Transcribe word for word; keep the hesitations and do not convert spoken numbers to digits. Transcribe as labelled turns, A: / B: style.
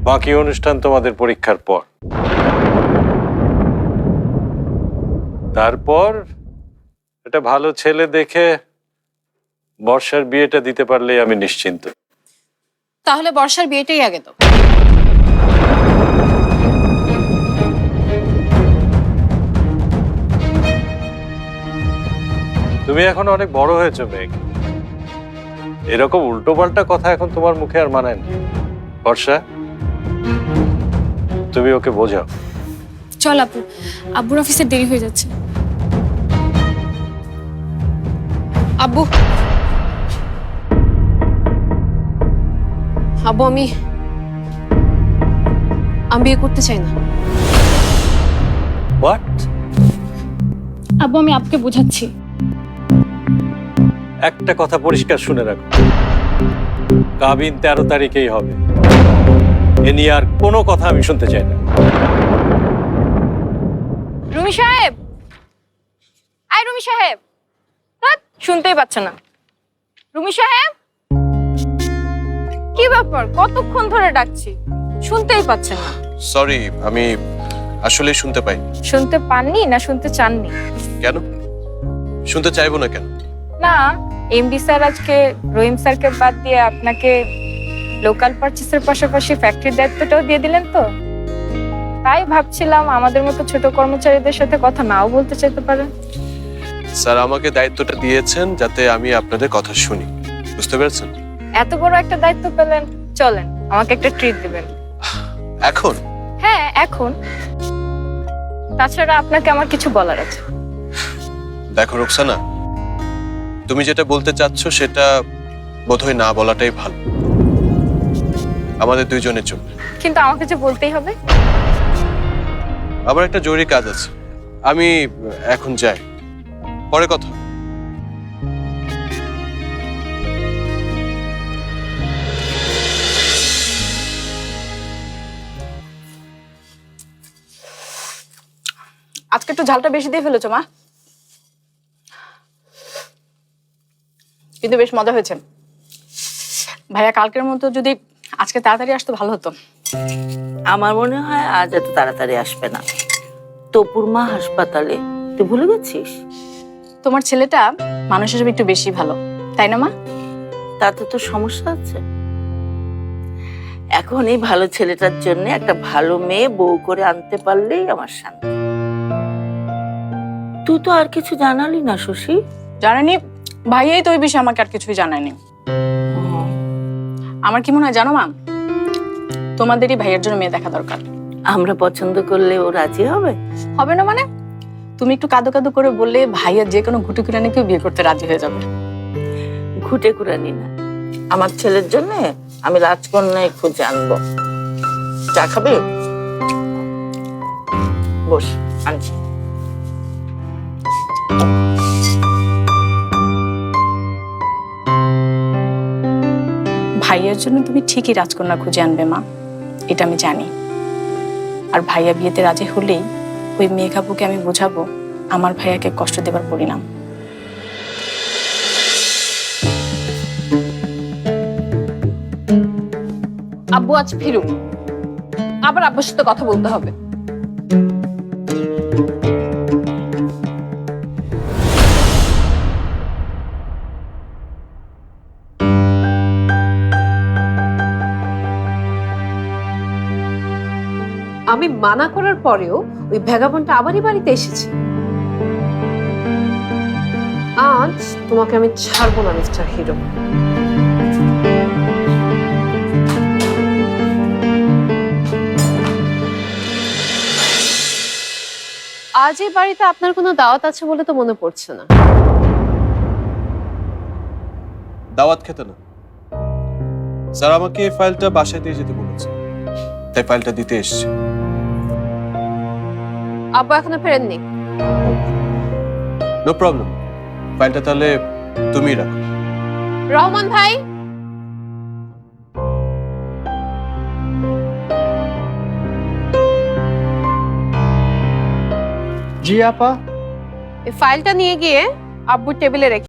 A: বাকি অনুষ্ঠান তোমাদের পরীক্ষার পর। তারপর একটা ভালো ছেলে দেখে বর্ষার বিয়েটা দিতে পারলেই আমি নিশ্চিন্ত।
B: তাহলে বর্ষার বিয়েটাই আগে তো।
A: তুমি এখন অনেক বড় হয়েছো মেঘ, এরকম উল্টো পাল্টা কথা এখন তোমার মুখে আর মানায় না। বর্ষা, তুমি ওকে বোঝাও।
B: চল আপু, আব্বুর অফিসে দেরি হয়ে যাচ্ছে। আব্বু, আব্বু আমি আমি বিয়ে করতে চাই না।
A: হোয়াট?
B: আব্বু আমি আপনাকে বোঝাচ্ছি।
A: একটা কথা পরিষ্কার শুনে রাখো, কাবিন তেরো তারিখেই হবে। এ নিয়ে আর কোনো কথা আমি শুনতে চাই না।
B: রুমি সাহেব, আই রুমি সাহেব, ধ্যাৎ, শুনতেই পাচ্ছে না। রুমি সাহেব, কি ব্যাপার? কতক্ষণ ধরে ডাকছি, শুনতেই পাচ্ছেন না।
C: সরি, আমি আসলে শুনতে পাই।
B: শুনতে পাননি না শুনতে চাননি?
C: কেন শুনতে চাইবো না কেন?
B: না, এমডি স্যার আজকে রহিম স্যারকে বাদ দিয়ে আপনাকে লোকাল পারচেসের পাশাপাশি ফ্যাক্টরির দায়িত্বটাও দিয়ে দিলেন তো, তাই ভাবছিলাম আমাদের মতো ছোট কর্মচারীদের সাথে কথা নাও বলতে চাইতে পারেন।
C: স্যার আমাকে দায়িত্বটা দিয়েছেন যাতে আমি আপনাদের কথা শুনি, বুঝতে পেরেছেন?
B: এত বড় একটা দায়িত্ব পেলেন, চলেন আমাকে একটা ট্রিট দিবেন।
C: এখন?
B: হ্যাঁ এখন। তাছাড়া আপনাকে আমার কিছু বলার আছে।
C: দেখো রোকসানা, তুমি যেটা বলতে চাচ্ছ সেটা বোধহয় না বলাটাই ভালো, আমাদের দুইজনের জন্য।
B: কিন্তু আমাকে যে বলতেই হবে।
C: আবার একটা জরুরি কাজ আছে, আমি এখন যাই, পরে কথা।
D: আজকে একটু ঝালটা বেশি দিয়ে ফেলেছো মা, কিন্তু বেশ মজা হয়েছে। ভাইয়া কালকের মতো যদি আজকে তাড়াতাড়ি আসতো ভালো হতো।
E: আমার মনে হয় আজ এত তাড়াতাড়ি আসবে না। তপুর মা হাসপাতালে, তুই ভুলে গেছিস?
D: তোমার ছেলেটা মানুষ হিসেবে একটু বেশি ভালো, তাই না মা?
E: তাতে তো সমস্যা আছে। এখন এই ভালো ছেলেটার জন্য একটা ভালো মেয়ে বউ করে আনতে পারলেই আমার শান্তি। তুই তো আর কিছু জানালি না শশী।
D: জানানি, ভাইয়াই তো ওই বিষয়ে আমাকে আর কিছুই জানায়নি। আমার কি মনে হয় জানো মা, তোমাদেরই ভাইয়ের জন্য মেয়ে দেখা দরকার।
E: আমরা পছন্দ করলে ও রাজি হবে?
D: হবে না মানে? তুমি একটু কাদো কাদো করে বললে ভাইয়া যে কোনো ঘুটে কুরানিকেও বিয়ে করতে রাজি হয়ে যাবে।
E: ঘুটে কুরানি না, আমার ছেলের জন্য আমি রাজকন্যায় খুঁজে আনবো। চা খাবে? বস, আনছি।
D: ভাইয়ার জন্য তুমি ঠিকই রাজকন্যা খুঁজে আনবে মা, এটা আমি জানি। আর ভাইয়া বিয়েতে রাজি হলেই ওই মেঘাপুকে আমি বোঝাবো আমার ভাইয়াকে কষ্ট দেবার পরিণাম।
B: আব্বু আজ ফিরুক, আবার আব্বুর সাথে কথা বলতে হবে।
F: আমি মানা করার পরেও ওই ভ্যাগাবনটা আবারই বাড়িতে এসেছে। আজ তোমাকে আমি ছাড়বো না মিস্টার হিরো। আজ এই বাড়িতে আপনার কোনো দাওয়াত আছে বলে তো মনে পড়ছে না।
C: দাওয়াত খেতে না, স্যার আমাকে এই ফাইলটা বাসায় দিয়ে যেতে বলেছে, তাই ফাইলটা দিতে এসেছি।
F: আব্বু এখনো ফেরেননি?
C: নো প্রবলেম, ফাইলটা তাহলে তুমি রাখো।
F: রহমান ভাই,
G: জি আপা।
F: এই ফাইলটা নিয়ে গিয়ে আব্বুর টেবিলে রেখে